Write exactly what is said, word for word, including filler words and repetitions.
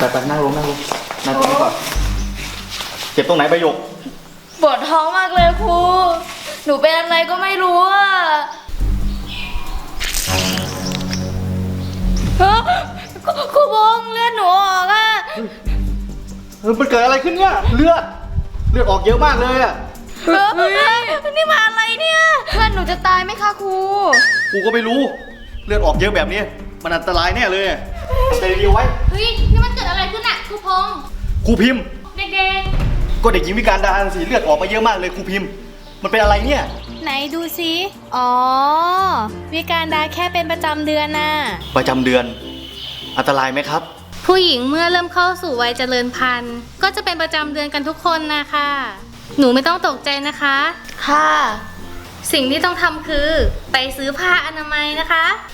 ไปไปนั่งลงนั่งลงนั่งตรงนี้ก่อนเจ็บตรงไหนประโยคปวดท้องมากเลยครูหนูเป็นอะไรก็ไม่รู้อ่ะครูบงเลือดหนูออกอ่ะเออมันเกิดอะไรขึ้นเนี่ยเลือดเลือดออกเยอะมากเลยอ่ะเฮ้ยนี่มาอะไรเนี่ยเพื่อนหนูจะตายไหมคะครูกูก็ไม่รู้เลือดออกเยอะแบบนี้มันอันตรายแน่เลยทำใจดีๆไว้เฮ้ยนี่มันเกิดอะไรขึ้นอ่ะครูพงษ์ครูพิมพ์เด็กก็เด็กหญิงวิการดาสิเลือดออกมาเยอะมากเลยครูพิมพ์มันเป็นอะไรเนี่ยไหนดูซิอ๋อวิการดาแค่เป็นประจำเดือนน่ะประจำเดือนอันตรายไหมครับผู้หญิงเมื่อเริ่มเข้าสู่วัยเจริญพันธุ์ก็จะเป็นประจำเดือนกันทุกคนนะคะหนูไม่ต้องตกใจนะคะค่ะสิ่งที่ต้องทำคือไปซื้อผ้าอนามัยนะคะ